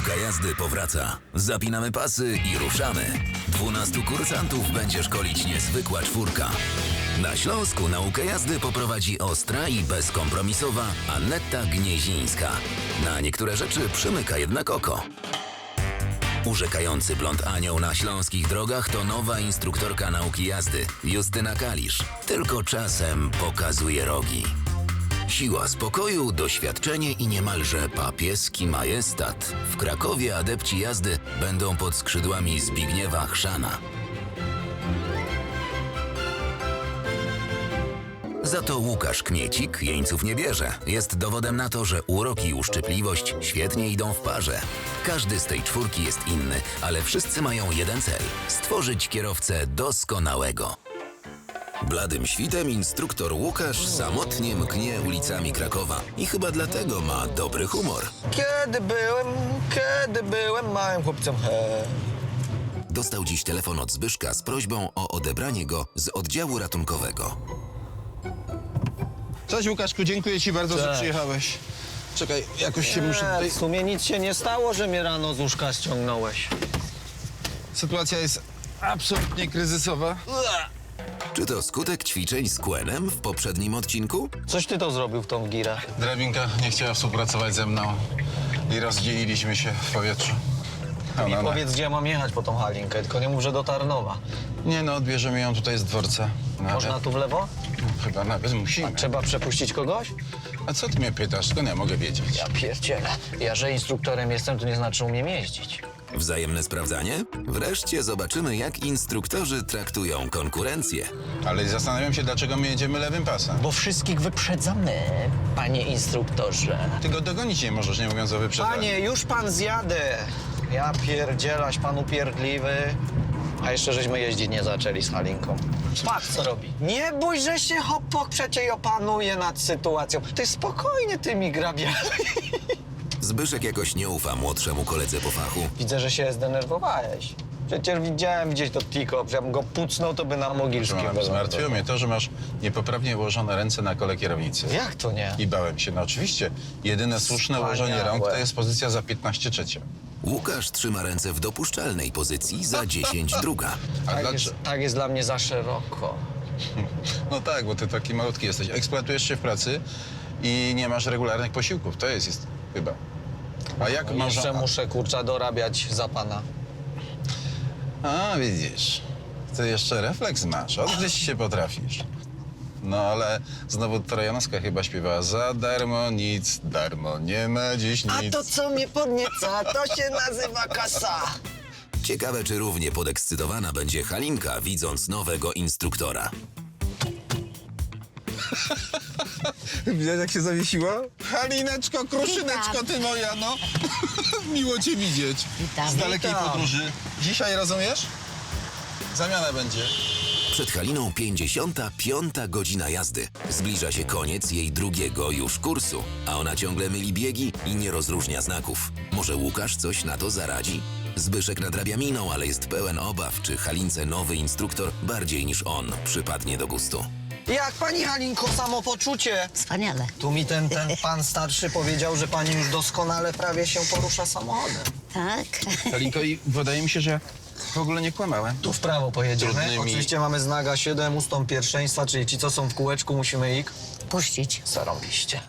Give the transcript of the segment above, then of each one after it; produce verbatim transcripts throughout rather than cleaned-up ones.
Nauka jazdy powraca. Zapinamy pasy i ruszamy. Dwunastu kursantów będzie szkolić niezwykła czwórka. Na Śląsku naukę jazdy poprowadzi ostra i bezkompromisowa Aneta Gniezińska. Na niektóre rzeczy przymyka jednak oko. Urzekający blond anioł na śląskich drogach to nowa instruktorka nauki jazdy, Justyna Kalisz. Tylko czasem pokazuje rogi. Siła spokoju, doświadczenie i niemalże papieski majestat. W Krakowie adepci jazdy będą pod skrzydłami Zbigniewa Chrzana. Za to Łukasz Kmiecik jeńców nie bierze. Jest dowodem na to, że urok i uszczypliwość świetnie idą w parze. Każdy z tej czwórki jest inny, ale wszyscy mają jeden cel – stworzyć kierowcę doskonałego. Bladym świtem instruktor Łukasz samotnie mknie ulicami Krakowa i chyba dlatego ma dobry humor. Kiedy byłem, kiedy byłem małym chłopcem, he. Dostał dziś telefon od Zbyszka z prośbą o odebranie go z oddziału ratunkowego. Cześć Łukaszku, dziękuję ci bardzo, że Cześć. przyjechałeś. Czekaj, jakoś się muszę tutaj... W sumie nic się nie stało, że mnie rano z łóżka ściągnąłeś. Sytuacja jest absolutnie kryzysowa. Czy to skutek ćwiczeń z Qenem w poprzednim odcinku? Coś ty to zrobił w tą girę? Drabinka nie chciała współpracować ze mną i rozdzieliliśmy się w powietrzu. I Ona, powiedz, gdzie ja mam jechać po tą Halinkę, tylko nie mów, że do Tarnowa. Nie no, odbierzemy ją tutaj z dworca. Nawet. Można tu w lewo? No, chyba nawet musimy. Trzeba przepuścić kogoś? A co ty mnie pytasz? Skąd ja mogę wiedzieć? Ja pierdzielę. Ja, że instruktorem jestem, to nie znaczy umiem jeździć. Wzajemne sprawdzanie? Wreszcie zobaczymy, jak instruktorzy traktują konkurencję. Ale zastanawiam się, dlaczego my jedziemy lewym pasem. Bo wszystkich wyprzedzamy, panie instruktorze. Ty go dogonić nie możesz, nie mówiąc o wyprzedzaniu. Panie, już pan zjadę. Ja pierdzielaś, pan upierdliwy. A jeszcze żeśmy jeździć nie zaczęli z Halinką. Patrz, co robi. Nie bój, że się hopok przecie opanuje nad sytuacją. Ty spokojnie tymi grabiami. Zbyszek jakoś nie ufa młodszemu koledze po fachu. Widzę, że się zdenerwowałeś. Przecież widziałem gdzieś to tiko, jakbym go pucnął, to by na Mogilskim Zmartwiło wylądował. mnie to, że masz niepoprawnie ułożone ręce na kole kierownicy. Jak to nie? I bałem się. No oczywiście, jedyne słuszne Wspaniałe. ułożenie rąk to jest pozycja za piętnaście trzecia. Łukasz trzyma ręce w dopuszczalnej pozycji za dziesięć druga. A Tak dlaczego? jest, tak jest dla mnie za szeroko. No tak, bo ty taki malutki jesteś. Eksploatujesz się w pracy i nie masz regularnych posiłków. To jest, jest chyba. A jak masz... Jeszcze muszę, kurcza, dorabiać za pana. A, widzisz. Ty jeszcze refleks masz. Odgryźć się potrafisz. No ale znowu Trojanowska chyba śpiewała za darmo nic, darmo nie ma dziś nic. A to, co mnie podnieca, to się nazywa kasa. Ciekawe, czy równie podekscytowana będzie Halinka, widząc nowego instruktora. Widać, jak się zawiesiła? Halineczko, kruszyneczko, ty moja, no. Miło cię widzieć. Witam. Z dalekiej Witam. podróży. Dzisiaj, rozumiesz? Zamiana będzie. Przed Haliną pięćdziesiąta piąta godzina jazdy. Zbliża się koniec jej drugiego już kursu, a ona ciągle myli biegi i nie rozróżnia znaków. Może Łukasz coś na to zaradzi? Zbyszek nadrabia miną, ale jest pełen obaw, czy Halince nowy instruktor bardziej niż on przypadnie do gustu. Jak pani Halinko, samopoczucie? Wspaniale. Tu mi ten, ten pan starszy powiedział, że pani już doskonale prawie się porusza samochodem. Tak. Halinko, i wydaje mi się, że w ogóle nie kłamałem. Tu w prawo pojedziemy. Trudnymi- Oczywiście mamy znak A siedem, ustąp pierwszeństwa, czyli ci, co są w kółeczku, musimy ich Puścić. zarąbiście.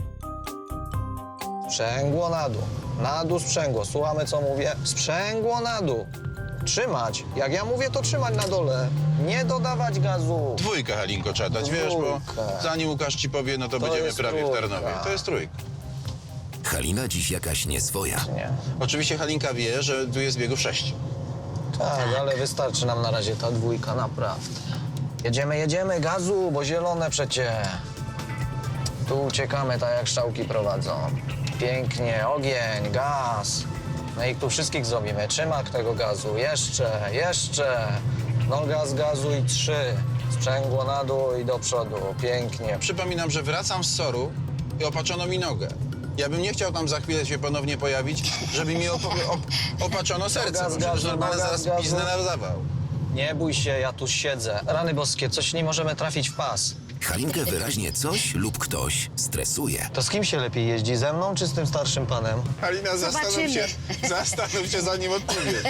Sprzęgło na dół. Na dół sprzęgło. Słuchamy, co mówię? Sprzęgło na dół. Trzymać. Jak ja mówię, to trzymać na dole. Nie dodawać gazu. Dwójkę, Halinko, trzeba dać, wiesz, bo Dwójkę. zanim Łukasz ci powie, no to, To będziemy jest prawie w trójka. Tarnowie. To jest trójka. Halina dziś jakaś nieswoja. Nie. Oczywiście Halinka wie, że tu jest biegów sześć. Tak, ale wystarczy nam na razie ta dwójka, naprawdę. Jedziemy, jedziemy, gazu, bo zielone przecie. Tu uciekamy, tak jak strzałki prowadzą. Pięknie, ogień, gaz. No i tu wszystkich zrobimy. Trzymak tego gazu, jeszcze, jeszcze. No gaz, gazu i trzy. Sprzęgło na dół i do przodu, pięknie. Przypominam, że wracam z Soru i opaczono mi nogę. Ja bym nie chciał tam za chwilę się ponownie pojawić, żeby mi op op opaczono serce, Gaz, bo przecież gazu, normalnie gaz, zaraz gazu. piznę na zawał. Nie bój się, ja tu siedzę. Rany boskie, coś nie możemy trafić w pas. Halinkę wyraźnie coś lub ktoś stresuje. To z kim się lepiej jeździ? Ze mną czy z tym starszym panem? Halina, zastanów Zobaczymy. się, zastanów się zanim odpowiesz.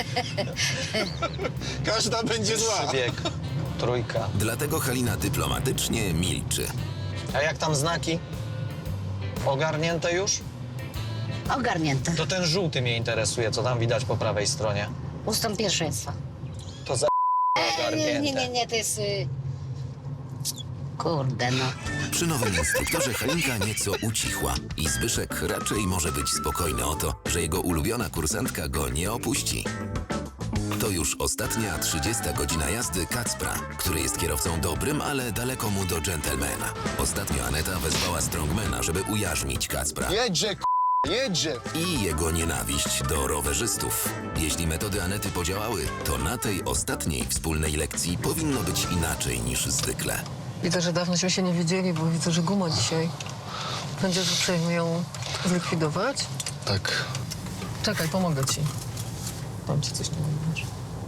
Każda będzie zła. Bieg. Trójka. Dlatego Halina dyplomatycznie milczy. A jak tam znaki? Ogarnięte już? Ogarnięte. To ten żółty mnie interesuje, co tam widać po prawej stronie. Ustąp pierwszeństwa. To za Nie, ogarnięte. nie, nie, nie, to jest... Y... Kurde, no. Przy nowym instruktorze Halinka nieco ucichła i Zbyszek raczej może być spokojny o to, że jego ulubiona kursantka go nie opuści. To już ostatnia trzydziesta godzina jazdy Kacpra, który jest kierowcą dobrym, ale daleko mu do dżentelmena. Ostatnio Aneta wezwała strongmana, żeby ujarzmić Kacpra. Jedzie, k***, jedzie. I jego nienawiść do rowerzystów. Jeśli metody Anety podziałały, to na tej ostatniej wspólnej lekcji powinno być inaczej niż zwykle. Widzę, że dawnośmy się nie widzieli, bo widzę, że guma dzisiaj. Będziesz uprzejmy ją zlikwidować? Tak. Czekaj, pomogę ci. Dam ci coś, nie mówisz.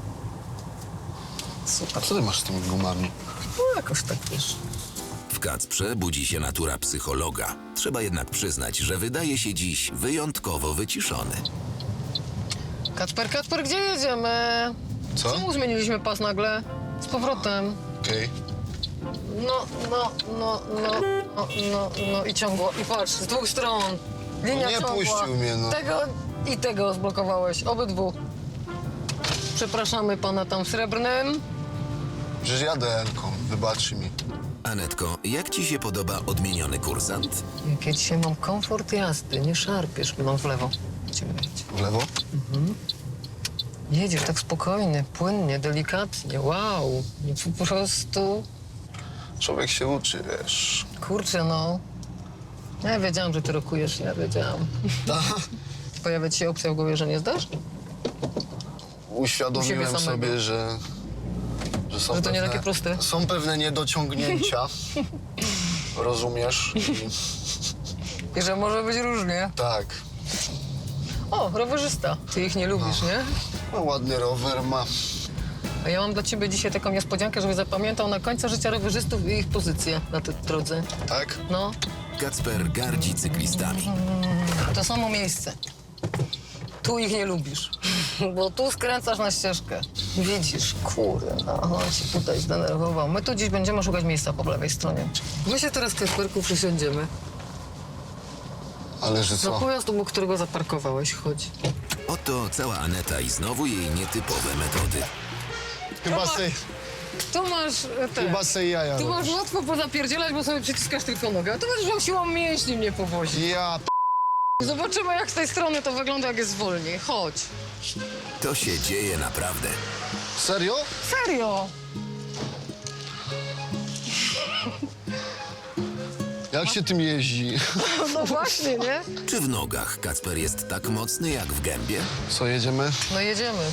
A co ty masz z tymi gumami? No jakoś tak, wiesz. W Kacprze budzi się natura psychologa. Trzeba jednak przyznać, że wydaje się dziś wyjątkowo wyciszony. Kacper, Kacper, gdzie jedziemy? Co? Czemu zmieniliśmy pas nagle? Z powrotem. Okej. No, no, no, no, no, no, no i ciągło. I patrz, z dwóch stron. Linia No nie ciągła. puścił mnie, no. Tego i tego zblokowałeś, obydwu. Przepraszamy pana tam w srebrnym. Przecież jadę Elką, wybacz mi. Anetko, jak ci się podoba odmieniony kursant? Jak ja dzisiaj mam komfort jazdy, nie szarpiesz. Mam w lewo. Będziemy jechać. W lewo? Jedziesz tak spokojnie, płynnie, delikatnie. Wow, nie po prostu... Człowiek się uczy, wiesz. Kurczę, no. Ja wiedziałam, że ty rokujesz, ja wiedziałam. Pojawia ci się opcja w głowie, że nie zdasz? U Uświadomiłem siebie samego. sobie, że... Że, są Że to nie pewne, takie proste. Są pewne niedociągnięcia. Rozumiesz? I I że może być różnie. tak. O, rowerzysta. Ty ich nie lubisz, nie? No, ładny rower ma. A ja mam dla ciebie dzisiaj taką niespodziankę, żeby zapamiętał na końcu życia rowerzystów i ich pozycję na tej drodze. Tak? No, Kacper gardzi cyklistami. to samo miejsce. Tu ich nie lubisz, bo tu skręcasz na ścieżkę. Widzisz, kurde, no, on się tutaj zdenerwował. My tu dziś będziemy szukać miejsca po lewej stronie. My się teraz, Kasperku, przysiądziemy. Ale że Na co? pojazd, obok którego zaparkowałeś, chodź. Oto cała Aneta i znowu jej nietypowe metody. Chyba se, Tu masz e, te... chyba se jaja Tu masz robisz. łatwo pozapierdzielać, bo sobie przyciskasz tylko nogę. A tu będziesz miał siłą mięśni mnie powozić. Ja p... Zobaczymy, jak z tej strony to wygląda, jak jest wolniej. Chodź. To się dzieje naprawdę. Serio? Serio? Jak się tym jeździ? No właśnie, nie? Czy w nogach Kacper jest tak mocny jak w gębie? Co, jedziemy? No jedziemy.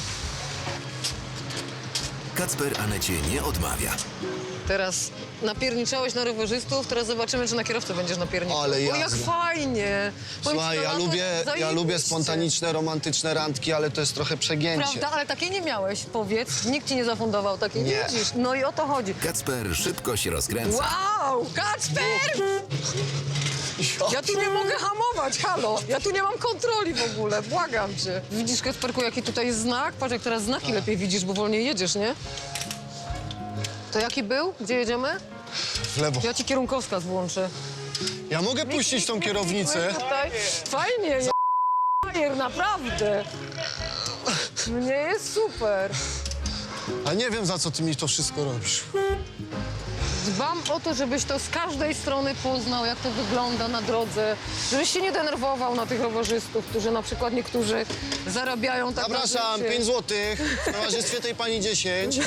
Kacper Anecie nie odmawia. Teraz napierniczałeś na rowerzystów, teraz zobaczymy, czy na kierowcę będziesz napierniczał. Ale O, jak jazda. fajnie! Powiem ci, Słuchaj, to ja lato lubię, ja zajebiście. lubię spontaniczne, romantyczne randki, ale to jest trochę przegięcie. Prawda, ale takiej nie miałeś, powiedz. Nikt ci nie zafundował takiej, Nie. widzisz? No i o to chodzi. Kacper szybko się rozkręca. Wow! Kacper! Ja tu nie mogę hamować, halo! Ja tu nie mam kontroli w ogóle, błagam cię. Widzisz, Kacperku, jaki tutaj jest znak? Patrz, jak teraz znaki lepiej widzisz, bo wolniej jedziesz, nie? To jaki był? Gdzie jedziemy? W lewo. Ja ci kierunkowskaz włączę. Ja mogę puścić tą kierownicę? Tutaj. Fajnie, jest bajer, naprawdę. Mnie jest super. A nie wiem, za co ty mi to wszystko robisz. Dbam o to, żebyś to z każdej strony poznał, jak to wygląda na drodze. Żebyś się nie denerwował na tych rowerzystów, którzy na przykład niektórzy zarabiają tak na Zapraszam, życie. pięć złotych. W towarzystwie tej pani dziesięć.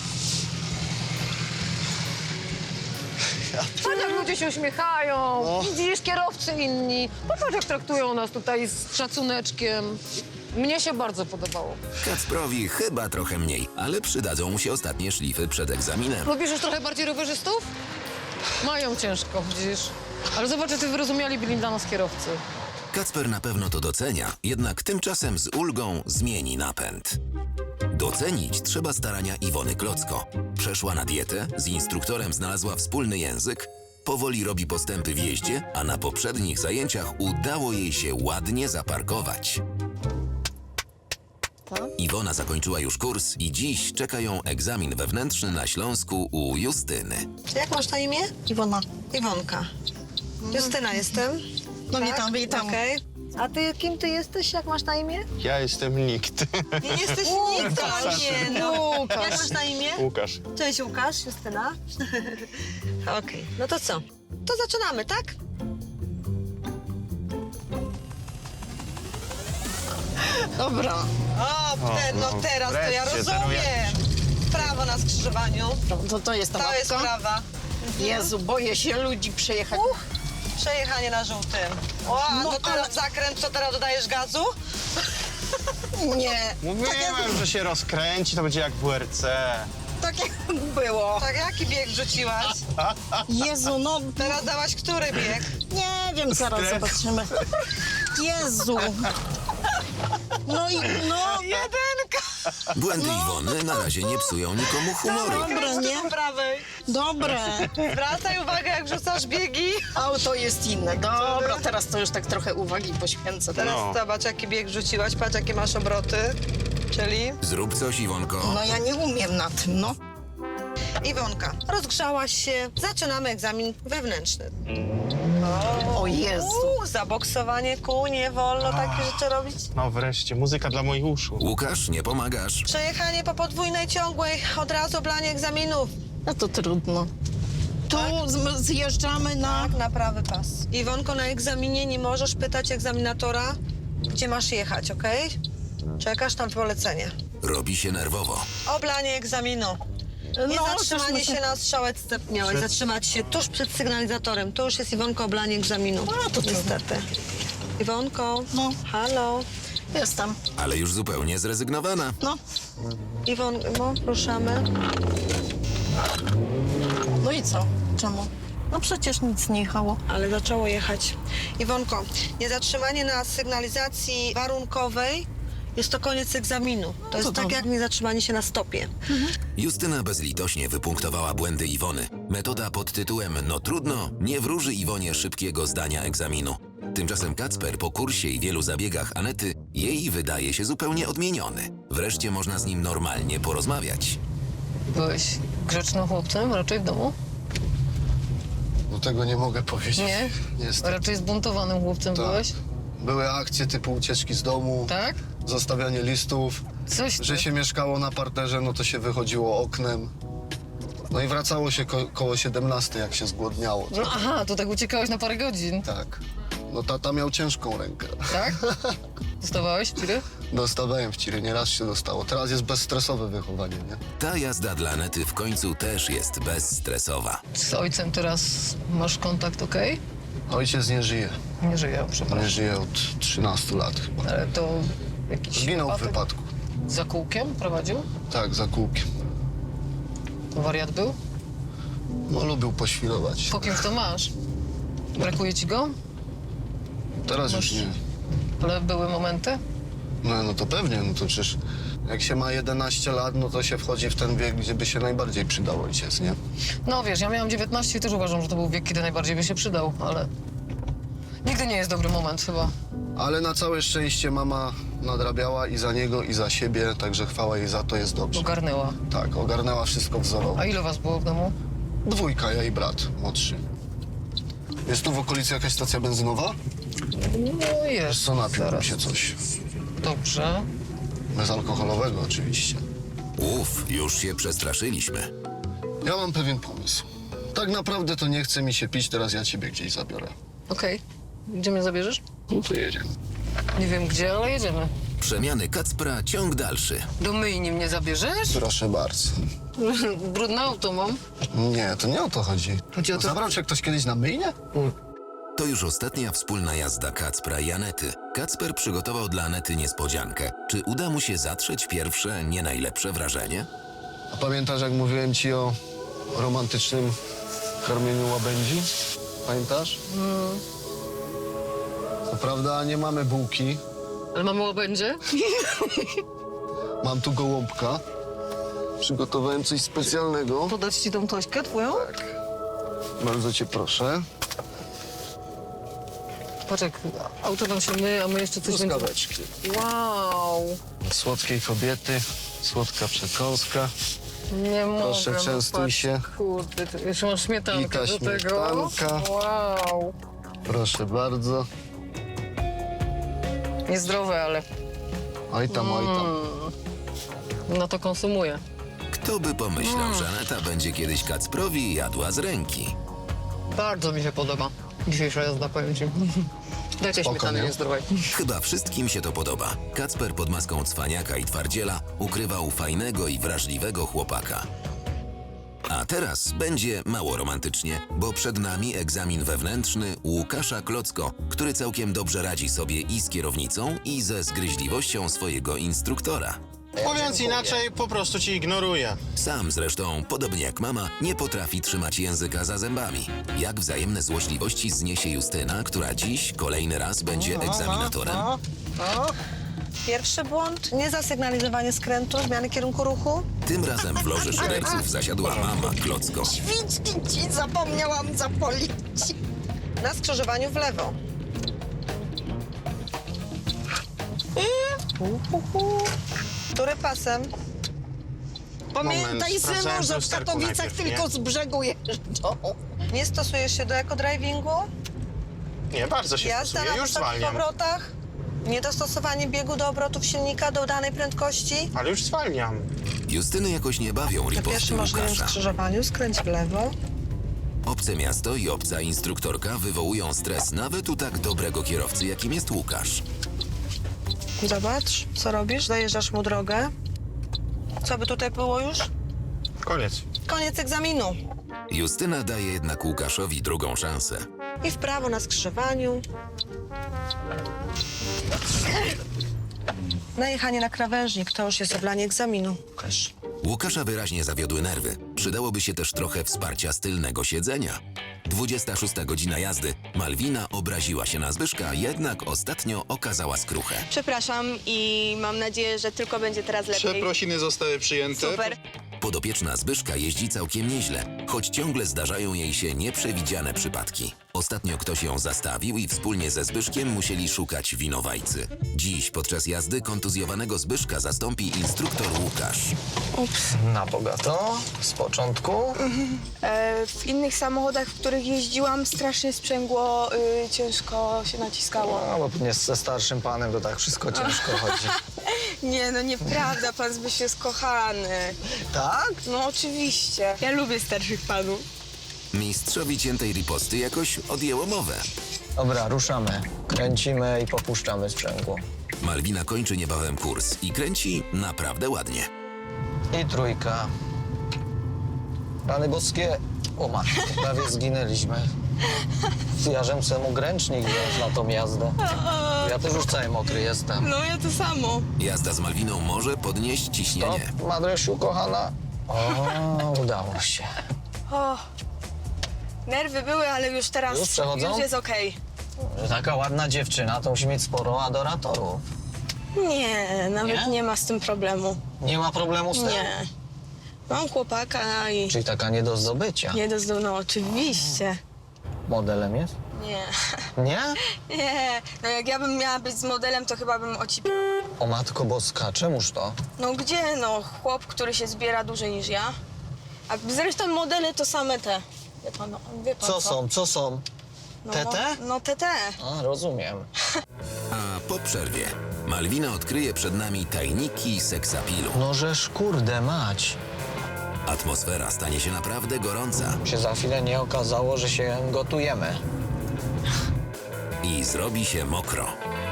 Patrz, jak ludzie się uśmiechają. No. Widzisz, kierowcy inni. Popatrz, jak traktują nas tutaj z szacuneczkiem. Mnie się bardzo podobało. Kacprowi chyba trochę mniej, ale przydadzą mu się ostatnie szlify przed egzaminem. Lubisz już trochę bardziej rowerzystów? Mają ciężko, widzisz. Ale zobacz, ty wyrozumiali byli dla nas kierowcy. Kacper na pewno to docenia, jednak tymczasem z ulgą zmieni napęd. Docenić trzeba starania Iwony Klocko. Przeszła na dietę, z instruktorem znalazła wspólny język, powoli robi postępy w jeździe, a na poprzednich zajęciach udało jej się ładnie zaparkować. Iwona zakończyła już kurs i dziś czeka ją egzamin wewnętrzny na Śląsku u Justyny. Jak masz na imię? Iwona. Iwonka. Justyna jestem. No Tak? witam, witam. Okej. A ty kim ty jesteś? Jak masz na imię? Ja jestem nikt. Nie jesteś nikt, to nie no. Łukasz. Jak masz na imię? Łukasz. Cześć Łukasz, Justyna. Okej, no to co? To zaczynamy, tak? Dobra. O, te, no no, teraz to ja wreszcie, rozumiem. Prawo na skrzyżowaniu. To, to, to jest ta To jest mapka. prawa. Jezu, boję się ludzi przejechać. Uch, przejechanie na żółtym. O, a No, to teraz ale- zakręt, co teraz dodajesz gazu? Nie. Mówiłem, że się rozkręci, to będzie jak w U R C. Tak jak było. Tak, jaki bieg rzuciłaś? Jezu, no Teraz dałaś który bieg? nie wiem, zaraz Stres. zobaczymy. Jezu. No i no. Jedynka! Błędy Iwony na razie nie psują nikomu humoru. Dobra, nie? Po prawej. Dobre. Zwracaj uwagę, jak rzucasz biegi. Auto jest inne. Dobra, teraz to już tak trochę uwagi poświęcę. Teraz No. zobacz, jaki bieg rzuciłaś, patrz, jakie masz obroty. Czyli Zrób coś, Iwonko. No ja nie umiem na tym, no. Iwonka, rozgrzałaś się, zaczynamy egzamin wewnętrzny. O Jezu. Uuu, zaboksowanie kół, nie wolno takie rzeczy robić. No wreszcie, muzyka dla moich uszu. Łukasz, nie pomagasz. Przejechanie po podwójnej ciągłej, od razu oblanie egzaminów. No to trudno. Tu z- zjeżdżamy na... Tak, na prawy pas. Iwonko, na egzaminie nie możesz pytać egzaminatora, gdzie masz jechać, okej? Czekasz na polecenie. Robi się nerwowo. Oblanie egzaminu. Nie No, zatrzymanie żeśmy się na strzałeczce. Miałeś zatrzymać się tuż przed sygnalizatorem. To już jest, Iwonko, oblanie egzaminu. No, to niestety. Iwonko, No. halo. Jestem. Ale już zupełnie zrezygnowana. No. Iwonko, ruszamy. No i co? Czemu? No przecież nic nie jechało. Ale zaczęło jechać. Iwonko, niezatrzymanie na sygnalizacji warunkowej jest to koniec egzaminu. To jest tak dobrze. jak niezatrzymanie się na stopie. Justyna bezlitośnie wypunktowała błędy Iwony. Metoda pod tytułem "No trudno" nie wróży Iwonie szybkiego zdania egzaminu. Tymczasem Kacper po kursie i wielu zabiegach Anety jej wydaje się zupełnie odmieniony. Wreszcie można z nim normalnie porozmawiać. Byłeś grzecznym chłopcem raczej w domu? No tego nie mogę powiedzieć. Nie? Niestety. Raczej zbuntowanym chłopcem Tak. byłeś? Były akcje typu ucieczki z domu, Tak? zostawianie listów, Coś że ty. się mieszkało na parterze, no to się wychodziło oknem. No i wracało się ko koło siedemnastej, jak się zgłodniało. No aha, to tak uciekałeś na parę godzin, Tak. No tata miał ciężką rękę. tak? Dostawałeś ciry? Dostawałem w ciry, nieraz się dostało. Teraz jest bezstresowe wychowanie, nie? Ta jazda dla Anety w końcu też jest bezstresowa. Z ojcem teraz masz kontakt, okej? Ojciec nie żyje. Nie żyje, Nie przepraszam. żyje od trzynastu lat chyba. Ale to jakiś Zginął w wypadek wypadku. za kółkiem prowadził? Tak, za kółkiem. Wariat był? No lubił poświrować. Po kimś to masz? Brakuje ci go? Teraz już Masz- nie. Ale były momenty? No, no to pewnie, no to przecież jak się ma jedenaście lat, no to się wchodzi w ten wiek, gdzie by się najbardziej przydał ojciec, nie? No wiesz, ja miałam dziewiętnaście i też uważam, że to był wiek, kiedy najbardziej by się przydał, ale nigdy nie jest dobry moment chyba. Ale na całe szczęście mama nadrabiała i za niego, i za siebie, także chwała jej za to, jest dobrze. Ogarnęła. Tak, ogarnęła wszystko wzorowo. A ile was było w domu? Dwójka, ja i brat młodszy. Jest tu w okolicy jakaś stacja benzynowa? No jest. Wiesz co, napiłbym Zaraz. się coś. Dobrze. Bezalkoholowego oczywiście. Uf, już się przestraszyliśmy. Ja mam pewien pomysł. Tak naprawdę to nie chce mi się pić, teraz ja ciebie gdzieś zabiorę. Okej. Gdzie mnie zabierzesz? No to jedziemy. Nie wiem gdzie, ale jedziemy. Przemiany Kacpra, ciąg dalszy. Do myjni mnie zabierzesz? Proszę bardzo. Brudne auto mam. Nie, to nie o to chodzi. Chodzi o to- Zabrał cię ktoś kiedyś na myjnię? To już ostatnia wspólna jazda Kacpra i Anety. Kacper przygotował dla Anety niespodziankę. Czy uda mu się zatrzeć pierwsze, nie najlepsze wrażenie? A pamiętasz, jak mówiłem ci o romantycznym karmieniu łabędzi? Pamiętasz? Co prawda nie mamy bułki. Ale mamy łabędzie? Mam tu gołąbka. Przygotowałem coś specjalnego. Podać ci tą tośkę twoją? Bardzo cię proszę. Patrz, jak auto nam się myje, a my jeszcze coś będziemy... Truskaweczki. Wow! Słodkiej kobiety, słodka przekąska. Nie mogę. Proszę, no częstuj patrz, się. Kurde, ty- jeszcze masz śmietankę I ta do tego. śmietanka. Wow! Proszę bardzo. Niezdrowe, ale Oj tam, oj tam. no to konsumuję. Kto by pomyślał, że Aneta będzie kiedyś Kacprowi jadła z ręki? Bardzo mi się podoba dzisiejsza jazda, powiem ci. Dajcie Spoko, śmietany nie? niezdrowej. Chyba wszystkim się to podoba. Kacper pod maską cwaniaka i twardziela ukrywał fajnego i wrażliwego chłopaka. A teraz będzie mało romantycznie, bo przed nami egzamin wewnętrzny Łukasza Klocko, który całkiem dobrze radzi sobie i z kierownicą, i ze zgryźliwością swojego instruktora. Mówiąc inaczej, po prostu ci ignoruję. Sam zresztą, podobnie jak mama, nie potrafi trzymać języka za zębami. Jak wzajemne złośliwości zniesie Justyna, która dziś kolejny raz będzie egzaminatorem. Pierwszy błąd, niezasygnalizowanie skrętu, zmiany kierunku ruchu. Tym razem w loży szyderców zasiadła mama Klocko. Świczki ci zapomniałam zapolić. Na skrzyżowaniu w lewo. Który pasem? Pamiętaj, synu, że w Katowicach tylko z brzegu jeżdżą. Nie stosujesz się do ekodrivingu? Nie, bardzo się Jazda stosuję, na już wysokich zwalniam. obrotach? Niedostosowanie biegu do obrotów silnika do danej prędkości? Ale już zwalniam. Justyny jakoś nie bawią Na riposty pierwszym możliwym Łukasza. skrzyżowaniu skręć w lewo. Obce miasto i obca instruktorka wywołują stres nawet u tak dobrego kierowcy, jakim jest Łukasz. Zobacz, co robisz? Zajeżdżasz mu drogę. Co by tutaj było już? Koniec. Koniec egzaminu. Justyna daje jednak Łukaszowi drugą szansę. I w prawo na skrzyżowaniu. Najechanie na krawężnik to już jest oblanie egzaminu. Łukasz. Łukasza wyraźnie zawiodły nerwy. Przydałoby się też trochę wsparcia z tylnego siedzenia. dwudziesta szósta godzina jazdy. Malwina obraziła się na Zbyszka, jednak ostatnio okazała skruchę. Przepraszam i mam nadzieję, że tylko będzie teraz lepiej. Przeprosiny zostały przyjęte. Super. Podopieczna Zbyszka jeździ całkiem nieźle, choć ciągle zdarzają jej się nieprzewidziane przypadki. Ostatnio ktoś ją zastawił i wspólnie ze Zbyszkiem musieli szukać winowajcy. Dziś podczas jazdy kontuzjowanego Zbyszka zastąpi instruktor Łukasz. Na bogato, z początku. E, w innych samochodach, w których jeździłam, strasznie sprzęgło, y, ciężko się naciskało. No, bo nie ze starszym panem to tak wszystko ciężko chodzi. Nie, no nieprawda, pan Zbyś jest kochany. Tak? No oczywiście. Ja lubię starszych panów. Mistrzowi ciętej riposty jakoś odjęło mowę. Dobra, ruszamy. Kręcimy i popuszczamy sprzęgło. Malwina kończy niebawem kurs i kręci naprawdę ładnie. I trójka. Rany boskie. O matko, prawie zginęliśmy. Ja żem se mógł ręcznik wziąć na tą jazdę. Ja też już cały mokry jestem. No ja to samo. Jazda z Malwiną może podnieść ciśnienie. Stop, Madrysiu, kochana. O, udało się. O, nerwy były, ale już teraz Już przechodzą? już jest okej. Taka ładna dziewczyna to musi mieć sporo adoratorów. Nie, nawet Nie? nie? ma z tym problemu. Nie ma problemu z tym? Nie. Mam chłopaka i Czyli taka nie do zdobycia. nie do zdo- no oczywiście. Modelem jest? Nie. Nie? Nie, no jak ja bym miała być z modelem, to chyba bym ocipiła. O matko boska, czemuż to? No gdzie, no, chłop, który się zbiera dłużej niż ja. A zresztą modele to same te. Wie pan, no, wie pan Co są, co są? No, Te, te? No te, te. A, rozumiem. A po przerwie Malwina odkryje przed nami tajniki seksapilu. No żeż kurde mać. Atmosfera stanie się naprawdę gorąca Się za chwilę nie okazało, że się gotujemy. i zrobi się mokro.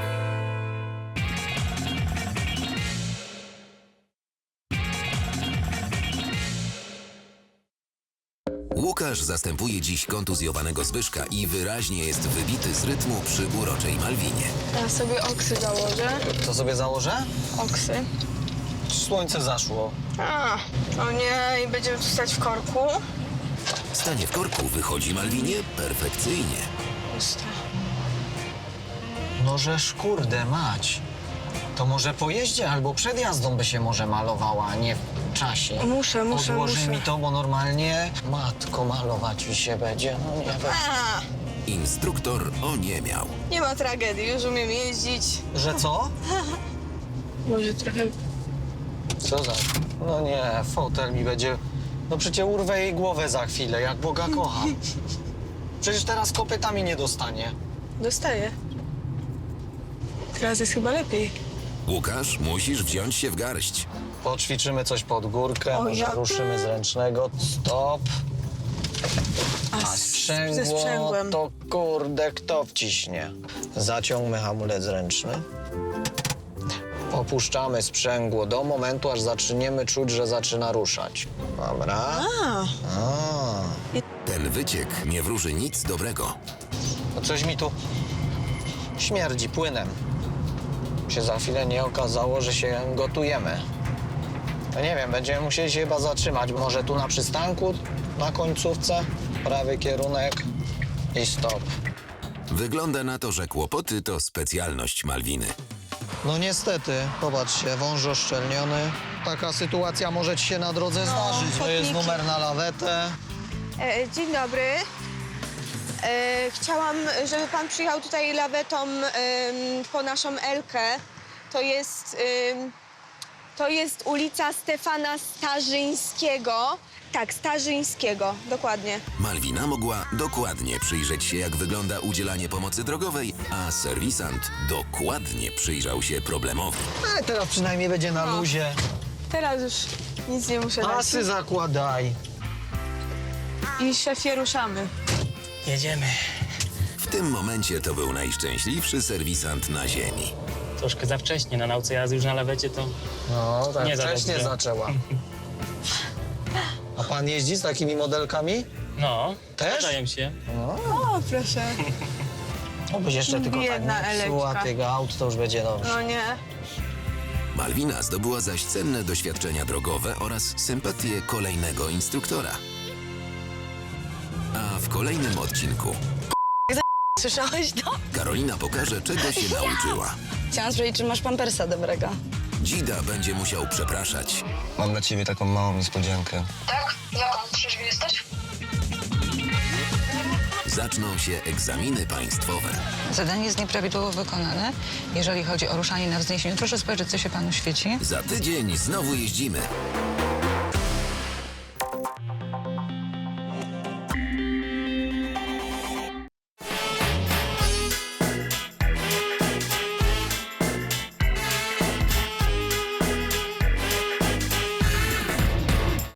Łukasz zastępuje dziś kontuzjowanego Zbyszka i wyraźnie jest wybity z rytmu przy uroczej Malwinie. Ja sobie oksy założę. Co sobie założę? Oksy. Słońce zaszło. A, no nie, i będziemy tu stać w korku. Stanie w korku wychodzi Malwinie perfekcyjnie. Puste. No żeż kurde mać. To może po jeździe albo przed jazdą by się może malowała, a nie w czasie. Muszę, muszę, Odłoży muszę. mi to, bo normalnie matko malować mi się będzie. No nie wiem. A, Instruktor oniemiał. nie ma tragedii, już umiem jeździć. Że co? Może trochę... Co za... No nie, fotel mi będzie... No przecież urwę jej głowę za chwilę, jak Boga kocham. Przecież teraz kopytami nie dostanie. Dostaję. Teraz jest chyba lepiej. Łukasz, musisz wziąć się w garść. Poćwiczymy coś pod górkę, O, może ja- ruszymy z ręcznego. Stop. A z- ze sprzęgło sprzęgłem. to kurde kto wciśnie? Zaciągmy hamulec ręczny. Opuszczamy sprzęgło do momentu, aż zaczniemy czuć, że zaczyna ruszać. Dobra. A, A. Ten wyciek nie wróży nic dobrego. No coś mi tu śmierdzi płynem. Się za chwilę nie okazało, że się gotujemy. No nie wiem, będziemy musieli się chyba zatrzymać. Może tu na przystanku, na końcówce, prawy kierunek i stop. Wygląda na to, że kłopoty to specjalność Malwiny. No niestety, popatrzcie, wąż oszczelniony. Taka sytuacja może ci się na drodze zdarzyć. To jest chodniki. numer na lawetę. e, dzień dobry. E, chciałam, żeby pan przyjechał tutaj lawetą em, po naszą Elkę. To jest, em, to jest ulica Stefana Starzyńskiego. Tak, Starzyńskiego, dokładnie. Malwina mogła dokładnie przyjrzeć się, jak wygląda udzielanie pomocy drogowej, a serwisant dokładnie przyjrzał się problemowi. A teraz przynajmniej będzie na luzie. Teraz już nic nie muszę dać. Pasy zakładaj. I szefie, ruszamy. Jedziemy. W tym momencie to był najszczęśliwszy serwisant na ziemi. Troszkę za wcześnie, na nauce jazdy już na lawecie to... No, tak Nie za wcześnie dobrze. zaczęła. A pan jeździ z takimi modelkami? No, Też? zdarzają się. O, proszę. Obyś jeszcze tylko tak Biedna nie psuła Eleczka. tych aut, to już będzie dobrze. No nie. Malwina zdobyła zaś cenne doświadczenia drogowe oraz sympatię kolejnego instruktora. A w kolejnym odcinku Słyszałeś to? Karolina pokaże, czego się nauczyła. Chciałam sprawdzić, czy masz pampersa dobrego. Dzida będzie musiał przepraszać. Mam dla ciebie taką małą niespodziankę. Tak? Jaką? Trzeźwy jesteś? Zaczną się egzaminy państwowe. Zadanie jest nieprawidłowo wykonane. Jeżeli chodzi o ruszanie na wzniesieniu, proszę spojrzeć, co się panu świeci. Za tydzień znowu jeździmy.